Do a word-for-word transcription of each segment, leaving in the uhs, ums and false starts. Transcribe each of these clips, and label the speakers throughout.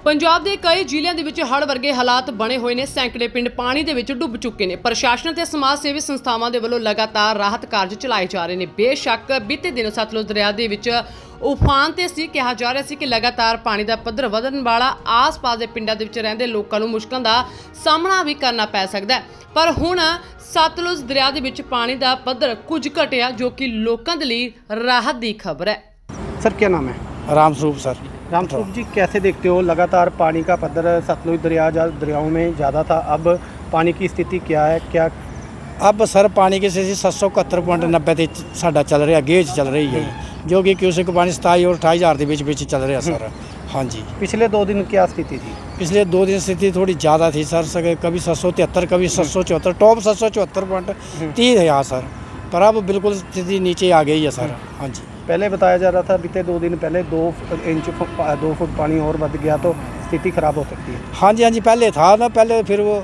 Speaker 1: ਪੰਜਾਬ ਦੇ ਕਈ ਜ਼ਿਲ੍ਹਿਆਂ ਦੇ ਵਿੱਚ ਹੜ੍ਹ ਵਰਗੇ ਹਾਲਾਤ ਬਣੇ ਹੋਏ ਨੇ। ਸੈਂਕੜੇ ਪਿੰਡ ਪਾਣੀ ਦੇ ਵਿੱਚ ਡੁੱਬ ਚੁੱਕੇ ਨੇ। ਪ੍ਰਸ਼ਾਸਨ ਤੇ ਸਮਾਜ ਸੇਵੀ ਸੰਸਥਾਵਾਂ ਦੇ ਵੱਲੋਂ ਲਗਾਤਾਰ ਰਾਹਤ ਕਾਰਜ ਚਲਾਏ ਜਾ ਰਹੇ ਨੇ। ਬੇਸ਼ੱਕ ਬੀਤੇ ਦਿਨ ਸਤਲੁਜ ਦਰਿਆ ਦੇ ਵਿੱਚ ਉਫਾਨ ਤੇ ਸੀ। ਕਿਹਾ ਜਾ ਰਿਹਾ ਸੀ ਕਿ ਲਗਾਤਾਰ ਪਾਣੀ ਦਾ ਪੱਧਰ ਵਧਣ ਵਾਲਾ ਆਸ-ਪਾਸ ਦੇ ਪਿੰਡਾਂ ਦੇ ਵਿੱਚ ਰਹਿੰਦੇ ਲੋਕਾਂ ਨੂੰ ਮੁਸ਼ਕਲਾਂ ਦਾ ਸਾਹਮਣਾ ਵੀ ਕਰਨਾ ਪੈ ਸਕਦਾ ਹੈ। ਪਰ ਹੁਣ ਸਤਲੁਜ ਦਰਿਆ ਦੇ ਵਿੱਚ ਪਾਣੀ ਦਾ ਪੱਧਰ ਕੁਝ ਘਟਿਆ, ਜੋ ਕਿ ਲੋਕਾਂ ਦੇ ਲਈ ਰਾਹਤ ਦੀ ਖਬਰ ਹੈ।
Speaker 2: सर क्या नाम है?
Speaker 3: रामस्वरूप सर।
Speaker 2: रामस्वरूप जी, कैसे देखते हो लगातार पानी का पद्धर सतलुज दरिया जा दरियाओं में ज़्यादा था, अब पानी की स्थिति क्या है? क्या
Speaker 3: अब सर पानी की स्थिति सत्त सौ इकहत्तर पॉइंट नब्बे ते साडा चल रहा गेज चल रही है, जो कि क्यूसिक पानी सताई और अठाई हज़ार के बीच बीच चल रहा सर। हाँ जी,
Speaker 2: पिछले दो दिन क्या स्थिति थी?
Speaker 3: पिछले दो दिन स्थिति थोड़ी ज़्यादा थी सर, सर कभी सत्त सौ तिहत्तर कभी सत्त सौ चौहत्तर टॉप सत्त सौ चौहत्तर पॉइंट तीस है यहाँ सर, पर अब बिल्कुल स्थिति नीचे आ गई है सर। हाँ जी,
Speaker 2: पहले बताया जा रहा था बीते दो दिन पहले दो इंच दो फुट पानी और बढ़ गया तो स्थिति खराब हो सकती है।
Speaker 3: हाँ जी, हाँ जी, पहले था ना, पहले फिर वो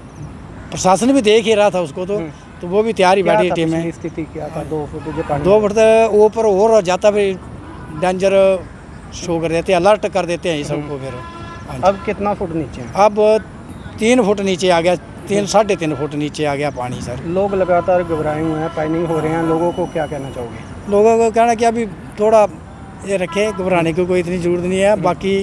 Speaker 3: प्रशासन भी देख ही रहा था उसको, तो तो वो भी तैयार ही बैठी टीम में।
Speaker 2: स्थिति क्या था? दो फुट जो पानी
Speaker 3: दो फुट ऊपर और जाता फिर डेंजर शो कर देते हैं, अलर्ट कर देते हैं ये सबको फिर। हाँ जी।
Speaker 2: अब कितना फुट नीचे है?
Speaker 3: अब तीन फुट नीचे आ गया, तीन साढ़े तीन फुट नीचे आ गया पानी सर।
Speaker 2: लोग लगातार घबराए हुए हैं, पैनिक हो रहे हैं, लोगों को क्या कहना चाहोगे?
Speaker 3: लोगों को कहना कि अभी थोड़ा ये रखें, घबराने की कोई इतनी ज़रूरत नहीं है। बाकी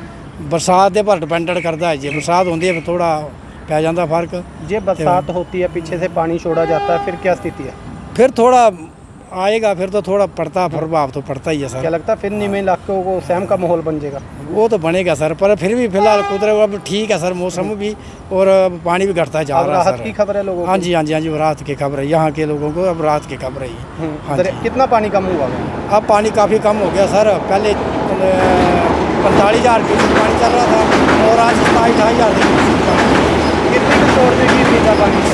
Speaker 3: बरसात के पर डिपेंडेंट करता है, जो बरसात होती है थोड़ा पै जाता फर्क।
Speaker 2: ये बरसात होती है, पीछे से पानी छोड़ा जाता है, फिर क्या स्थिति है?
Speaker 3: फिर थोड़ा आएगा, फिर तो थोड़ा पड़ता प्रभाव तो पड़ता ही है सर।
Speaker 2: क्या लगता है फिर नीमे इलाकों को सहम का माहौल बन जाएगा?
Speaker 3: वो तो बनेगा सर, पर फिर भी फिलहाल कुदरत अब ठीक है सर, मौसम भी और पानी भी घटता जा
Speaker 2: अब
Speaker 3: रहा है
Speaker 2: राहत
Speaker 3: सर।
Speaker 2: की खबर है लोगों को?
Speaker 3: हाँ जी, हाँ जी, हाँ जी, राहत की खबर है यहाँ के लोगों को, अब राहत की खबर है ये।
Speaker 2: हम्म,
Speaker 3: हाँ
Speaker 2: दरिया- कितना पानी कम हुआ है?
Speaker 3: अब पानी काफ़ी कम हो गया सर। पहले पैंतालीस हज़ार क्यूसेक पानी चल रहा था और आज सताईस अठाई हज़ार।
Speaker 2: कितने की छोड़ने की उम्मीद है पानी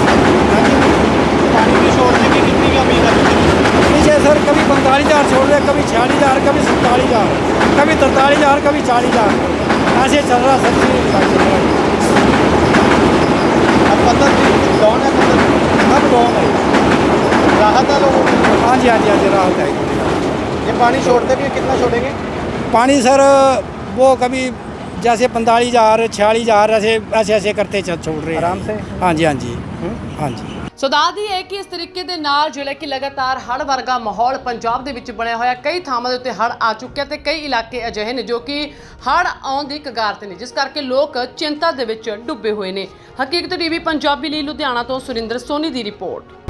Speaker 2: पानी की छोड़ने की कितनी की उम्मीद है?
Speaker 3: पीछे सर कभी पैंतालीस हज़ार छोड़ रहे, कभी छियालीस हज़ार, कभी सैंतालीस हज़ार, कभी तरतालीस हज़ार, कभी चालीस हज़ार, ऐसे चल रहा सर।
Speaker 2: अब पत्थर डाउन है, पत्थर
Speaker 3: अब डाउन है।
Speaker 2: राहत है लोगों को?
Speaker 3: हाँ जी, हाँ जी, हाँ जी, राहत है।
Speaker 2: ये पानी छोड़ते भी हैं, कितना छोड़ेंगे?
Speaker 3: पानी सर वो कभी जैसे पैंतालीस हज़ार छियालीस हज़ार ऐसे ऐसे ऐसे करते चल छोड़ रहे हैं
Speaker 2: आराम से?
Speaker 3: हाँ जी, हाँ जी, हाँ जी।
Speaker 1: ਸੋ ਦੱਸਦੀ ਹੈ ਕਿ ਇਸ ਤਰੀਕੇ ਦੇ ਨਾਲ ਜਿਹੜਾ ਕਿ ਲਗਾਤਾਰ ਹੜ੍ਹ ਵਰਗਾ ਮਾਹੌਲ ਪੰਜਾਬ ਦੇ ਵਿੱਚ ਬਣਿਆ ਹੋਇਆ। ਕਈ ਥਾਵਾਂ ਦੇ ਉੱਤੇ ਹੜ੍ਹ ਆ ਚੁੱਕਿਆ ਤੇ ਕਈ ਇਲਾਕੇ ਅਜਿਹੇ ਨੇ ਜੋ ਕਿ ਹੜ੍ਹ ਆਉਣ ਦੀ ਕਗਾਰ ਤੇ ਨੇ, ਜਿਸ ਕਰਕੇ ਲੋਕ ਚਿੰਤਾ ਦੇ ਵਿੱਚ ਡੁੱਬੇ ਹੋਏ ਨੇ। ਹਕੀਕਤ ਟੀਵੀ ਪੰਜਾਬੀ ਲਈ ਲੁਧਿਆਣਾ ਤੋਂ ਸੁਰਿੰਦਰ ਸੋਨੀ ਦੀ ਰਿਪੋਰਟ।